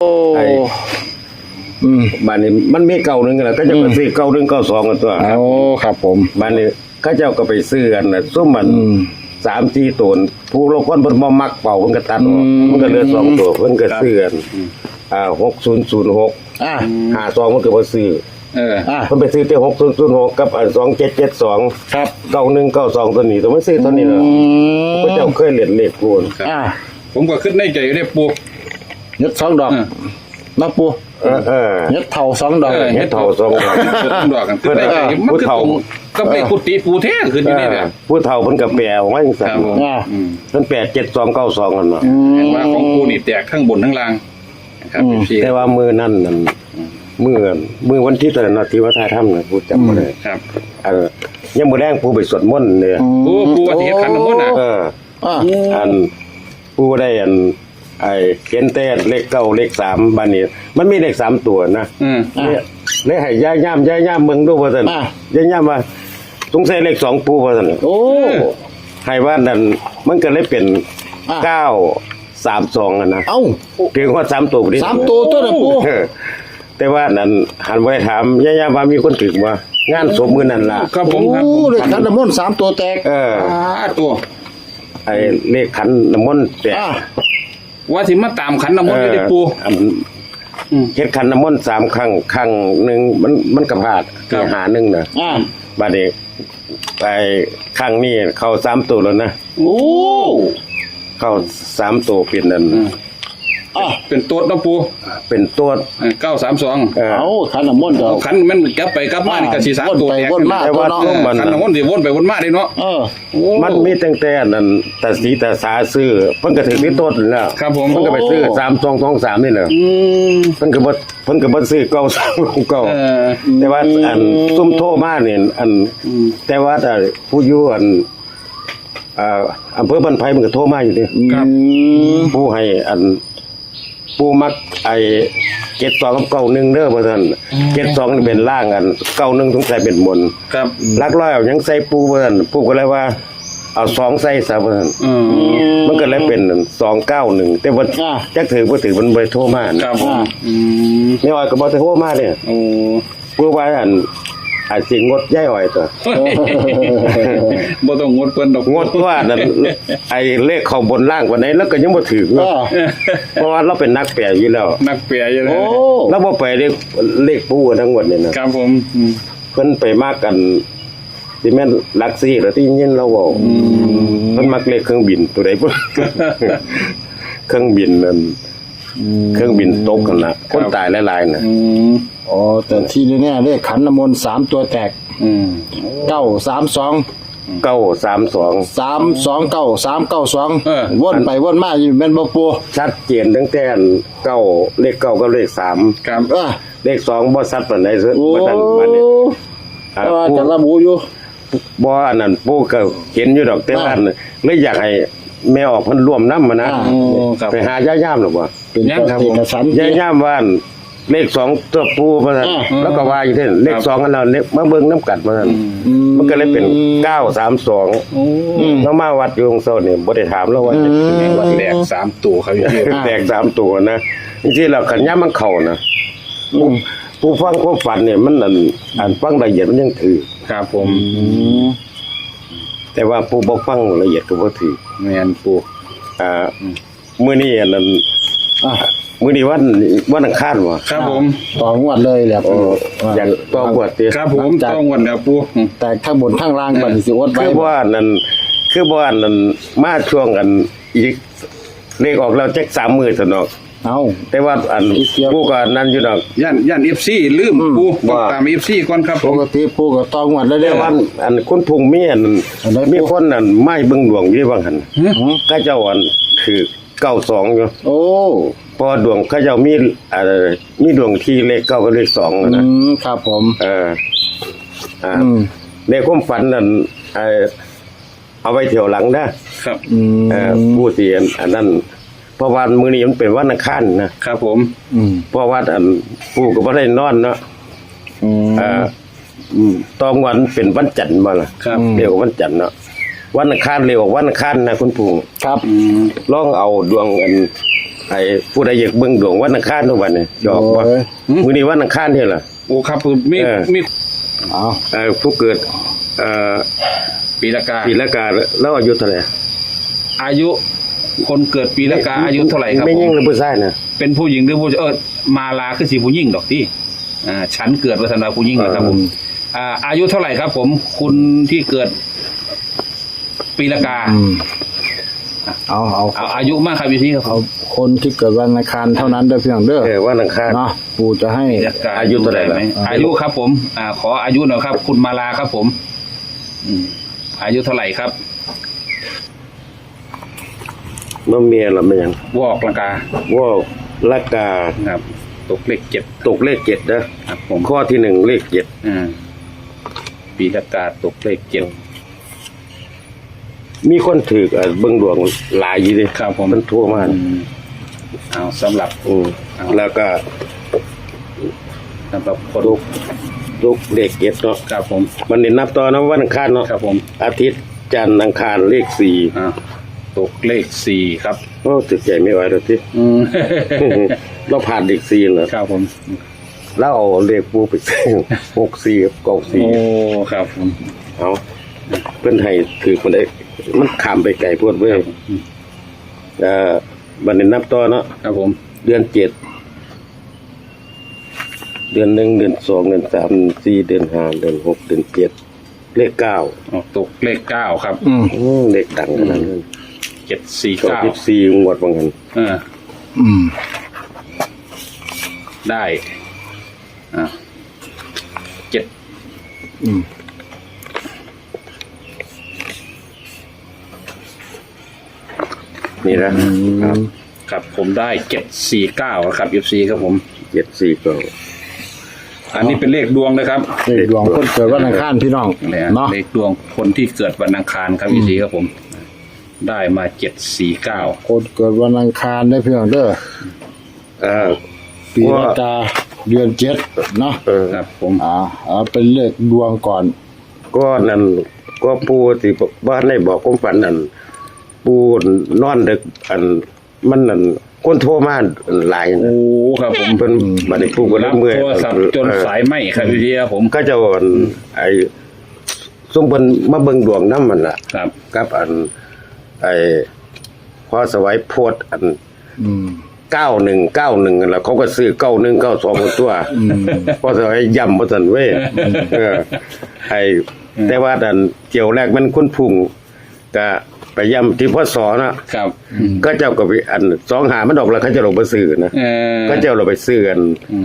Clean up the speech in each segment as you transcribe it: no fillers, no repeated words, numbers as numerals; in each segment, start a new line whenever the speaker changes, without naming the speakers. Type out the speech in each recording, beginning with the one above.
ไอ้บ้านนี้มันมีเก่าหนึ่งแหละก็จะไปซื้อเก่าหนึ่งเก่าสองกันตัว
โอ้ครับผม
บ้านนี้ก็เจ้าก็ไปซื้อกันนะส้มมัน3-4ตัวผู้ลงคนมันบ่มักเป่ามันก็ตัดออกมันก็เหลือ2ตัวมันก็ซื้อกัน600652มันก็บ่ซื้อมันไปซื้อแต่6006กับ2772
ครับ
9192ตัวนี้ตัวมันซื้อตัวนี้เนาะก็เจ้าเคยเล่นเลขกูน
ผมก็ขึ้นในใจได้ปู
ยึด2 ดอกนับปูยึดเท่า2 ดอก
ยึดเท่า2 ดอก
ดอกกันขึ้นได้ใจมันคือตรงก็ไปกุฏิปูแท้ขึ้นอยู่นี่แหละ
ผู้เฒ่าเพิ่นก็แปลว่าจังซั่นเพิ่นแปล7292กันเนาะ
เห็นว่าของปูนี่แตกทั้งบนทั้งล่างครับ
แต่ว่ามือนั่นมือวันที่ตอนนั้นที่ว่าถ่ายทำนะผู้จำบ่ได้
ครับ
ยังมื้อแรงผู้ไปสวดมนต์เนี่ย
ปูว่าสิเฮ็ดขันน้ำมนต์น่ะ
อันผู้ได้ไอ้เขียนแต่เลข9เลข3บัดนี้มันมีเลข3ตัวนะเลยให้ย่าเบิ่งดูว่าซั่นย่าว่าสงสัยเลข2ปูว่าซั่น
โอ้
ให้ว่านั่นมันก็เลยเป็น932อ่ะนะ
เอ้า
เพียงว่า3ตัวพอดี
3ตัวตัวน่ะปู
แต่ว่านั่นหันบ่ได้ถามย่าว่ามีคนถึกบ่งานศพมื้อนั้นล่ะ
ครับผมครับ
เลขขันน้ำมนต์3ตัวแตก
ตัว
ไอ้เลขขันน้ำมนต์แตก
ว่าสิมาตามขันน้ำมนต์อยู่ได้ปู
เฮ็ดขันน้ำมนต์3ครั้งนึงมันก็พลาดที่หานึงน่ะบัดนี้ไปครั้งนี้เข้า3ตัวแล้วนะ
โอ้
เข้า3ตัวเป็นนั่น
เป็นตัวน้ำปู
เป็นตัว
932
เอาขันน้ำมนต์
ขันมันกลับไปกลับมานี่ก็สิ3ตัว
วนมาตัวเนาะ
ขันน้ำมนต์สิวนไปวนมาได้เนาะ
มันมีตั้งแต่นั่นแต่สีแต่สาซื้อเพิ่นก็ถึงที่ต้นแล้ว
ครับผม
เพิ่นก็ไปซื้อ3223นี่แหละเพิ่นก็บ่ซื้อ9แต่ว่าอันซุ่มโทรมานี่แต่ว่าผู้อยู่อำเภอบ้านไผ่มันก็โทรมาอยู่ดิ
ครับ
ผู้ให้ผู้มักไอ้72กับ91เด้อว่าซั่น72นี่เป็นล่าง91ต้องใส่เป็นบน
ครับ
ลักร้อยเอายังใส่ปูว่าซั่นปูก็เลยว่าเอา2ใส่ซะว่าซั่นมันก็เลยเป็น291แต่ว่าจักถือบ่ถือมันบ่โทรมา
ครับ
ไม่อ้อยก็บ่โทรมาเด้ปูว่าอาจสิงดย้ายอ้อยตัว
บ่ต้องงดเพิ่นดอก
งดว่านั่นไอ้เลขเข้าบนล่างกว่าไหนแล้วก็ยังบ่ถูกเพราะว่าเราเป็นนักแปลอยู่แล้ว
นักแปลอยู่แล้ว
แล้วบ่ไปเลขปูทั้งหมดนี่นะครับ
ผม
เพิ่นไปมากกันที่แม่นหลัก4แล้วที่ยินเราเว้าเพิ่นมักเลขเครื่องบินตัวใดบ่เครื่องบินนั่นเครื่องบินตกกันน่ะคนตายหลายๆน่ะ
อ๋อแต่ที่นี่เนี่ยเลขขันน้ำมนต์3ตัวแตก932 329 วนไปวนมาอยู่แม่นบ่ปู
ชัดเจนตั้งแต่9เลข9กับเลข3
ครับ
เลข2บ่ชัดปานใดซะบ่ทันบัดนี้
จะระบุอยู่
บ่อันนั้นปู่ก็เห็นอยู่ดอกแต่ว่าเลยอยากให้แม่ออกเพิ่นร่วมนำนะไปหาย่าๆหรอบ่
เป็นครับ
ย่าๆว่าเลข2ตัวปูว่าซั่นแล้วก็ว่าอยู่เท่เลข2กันแล้วมาเบิ่งน้ำกัดว่าซั่นมันก็เลยเป็น932แล้วมาวัดอยู่ตรงโซนนี่บ่ได้ถามแล้วว่า
วัดแตก3ตัวเขาอยู่
แตก3ตัวนะจริงๆแล้วคันย่ามันเข้านะผู้ฟังความฝันเนี่ยมันอันฟังละเอียดมันยังถือ
ครับผม
แต่ว่าผู้บ่ฟังละเอียดก็บ่ถือ
แม่นปู่
มื้อนี้อันนั้นมื้อนี้วันอังคารบ่
ครับผม
ต่องวดเลยแหละ
อยากต่องวดติ
ครับผมต่องวดแล้วปู่
แต่ข้างบนข้างล่างบัดนี้สิอดไว้
คือบ่อันนั้นมาช่วงอันอีกเลขออกแล้วจัก3มื้อซั่นเนาะแต่ว่าอันปู่ก็นั่นอยู่ดอก
ย่าน FC ลืมปู่ตาม FC ก่อนครับ
ปกติปู่ก็ต่องวดแล้ว
ว่าอันคุณพุงมีอันมีคนนั่นไม้เบิ่งดวงอยู่ว่าหั่นก็เจ้าอันคือ92อยู่
โอ้
พอดวงเขาเจ้ามีดวงที่เลข9กับเลข2
นะครับผม
ในความฝันนั่นเอาไว้เที่ยวหลังนะครับผู้ที่อันนั้นเพราะวันมื้อนี้มันเป็นวันอังคาร
นะครับผม
เพราะว่าอันผู้ก็บ่ได้นอนเนาะตอนวันเป็นวันจันทร์บ่ล่ะเรียกว่าวันจันทร์เนาะวันอังคารเรียกว่าวันอังคารนะคุณปู่
ครับ
ลองเอาดวงอันไอ้ผู้ใดอยากเบิ่งดวงวันอังคารทุกวันเนี่ยจอกว่า
โอ้ย
มื้อนี้วันอังคารเท่าล่ะ
โอ้ครับมี มี
เอา
ผู้เกิด
ปีละกา
ปีละกาแล้วอายุเท่าไหร่
อายุคนเกิดปีละกาอายุเท่าไหร่ครับ
ไม่
ผ
ยิ่ง
ม
หรือผู้ชายนะ
เป็นผู้หญิงหรือผู้มาลาคือสีผู้หญิงดอกที่ฉันเกิดวัฒนาผู้หญิงนะครับผมอายุเท่าไหร่ครับ ผมคุณที่เกิดปีละกา
เอา
เอาอายุมากครับพี่ครับ
เอาคนที่เกิดวันอังคารเท่านั้นเด้อพี่น้องเด้อ
วันอังคาร
เนาะปู่จะให้
อายุเท่าไหร่ล่ะ
อายุครับ ผมขออายุหน่อยครับ คุณมาลาครับ ผมอายุเท่าไหร่ครับ
เมื่อเมียละมันยัง
วอกละกา
ว่าละกา
ครับ ตกเลขเจ็ด
ตกเลข7นะครับ
ผม
ข้อที่1เลข7
ปีละกาตกเลขเจ็ด
มีคนถือเบิ่งดวงหลายอยู่ดิ
ครับผม
มันทั่วมาก
เอาสำหรับ
แล้วก็
สำหรับคน
ทุกเลข7เนาะ
ครับผม
มันนี่นับต่อนะวันอังคารเนาะ
ครับผม
อาทิตย์จันทร์อังคารเลข4
ตกเลขสี่ครับ
โอ้ตึกใจไม่ไหวแล้วที่ เราผ่านเลข4แล้ว
ครับผม
แล้วเอาเลขปูไปซื้อ64กับกอง
โอ้ครับผม
4เอาเพิ่นให้ถือมันได้มันข้ามไปไกลโพดเว้ยบัดนี้นับต่อเนาะ
ครับผม
เดือน7เดือน1เดือน2เดือน3เดือน4เดือน5เดือน6เดือน7เลข9
ตกเลขเก้าครับ
เลขดังขนาดนั้น
749
24งวดว่างั้น
ได้เจ็ด
นี่นะครับ
ครับผมได้749ครับ FC ครับผม
749
อันนี้เป็นเลขดวงนะครับ
เลขดวงคนเกิดวันอังคารพี่น้องเนาะ
เลขดวงคนที่เกิดวันอังคารครับ FC ครับผม ได้มา749
คนเกิดวันอังคารได้พี่น้องเด้อปีละกาเดือน7เนาะ
ครับผม
เอาเป็นเลขดวงก่อน
ก็นั่นก็ปูที่บ้านได้บอกความฝันนั่นปูนอนดึกมันนั่นคนโทรมาหลายนะ
โอ้ครับผม
เพิ่นบัดนี้ปูก็เลย
รับ
เมื่อย
โทรศัพท์จนสายไหมครับ FC ครับผม
ก็จะว่าไอ้ซุ่มเพิ่นมาเบิ่งดวงนำมันล่ะ
ครับ
กับไอ้พอสวัยโพด9191นั่นล่ะเขาก็ซื้อ9192ตัวพอสวัยย่ำบ่ซั่นเว้ยไอ้แต่ว่าดันเกี่ยวแรกมันคนพุ่งก็ไปย่ำที่พศนะครับ ก็เจ้าก็ไป25มันออกแล้วเขาจะลงไปซื้อนะก็เจ้าเราไปซื้อกัน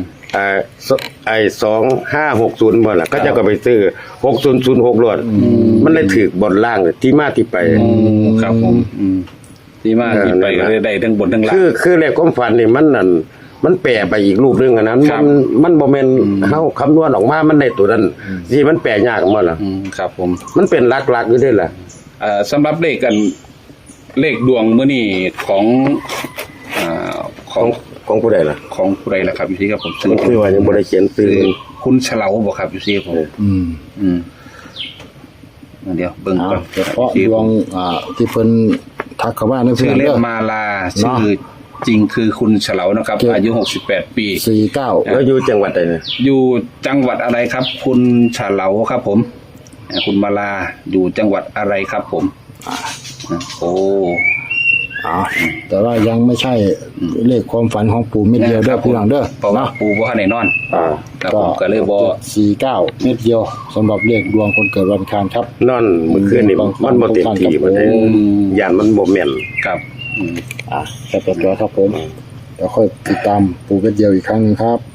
2560บ่ล่ะก็เจ้าก็ไปซื้อ6006รวดมันเลยถูกบนล่างที่มาที่ไป
ครับผมที่มาที่ไปก็ได้ทั้งบนทั้งล่าง
คือเลขความฝันนี่มันนั่นมันแปลไปอีกรูปนึงอันนั้นมันบ่แม่นเฮาคำนวณออกมามันได้ตัวนั้นที่มันแปลยากมาล่ะ
ครับผม
มันเป็นหลักๆอยู่ด้วยล่ะ
สำหรับเลขกันเลขดวงมื้อนี้ของ
ผู้ใดล่ะ
ของผู้ใดล่ะครับอยู่ที่ครับผม
มันคือว่ายังบ่ได้เขียนซื้อ
คุณเฉลาบ่ครับอยู่ที่ผมเดี๋ยวเบิ่งก่อน
เฉพาะดวงที่เพิ่นทักเข้ามาในเพื่
ชื่
อ
อน เล่
เด้
น
อ
มาลาชื่อจริงคือคุณเฉลานะครับอายุ68ปี
49
แล้วอยู่จังหวัดใดเนี่ย
อยู่จังหวัดอะไรครับ คุณเฉลาครับผมคุณมาลาอยู่จังหวัดอะไรครับผมโอ้
แต่ว่ายังไม่ใช่เลขความฝันของปู่เม็ดเดียวเด้อพี่น้องเด้อ
เพราะว่าปู่บ่ทันได้นอนครับผมก็เลยบ่
49เม็ดเดียวสำหรับเลขดวงคนเกิดวันอังคารครับ
นอนมื้อคืนนี่มันบ่เต็มที่มันได้ย่านมันบ่แม่น
ครับ
แค่ตัวครับผมเดี๋ยวค่อยติดตามปู่เม็ดเดียวอีกครั้งนึงครับ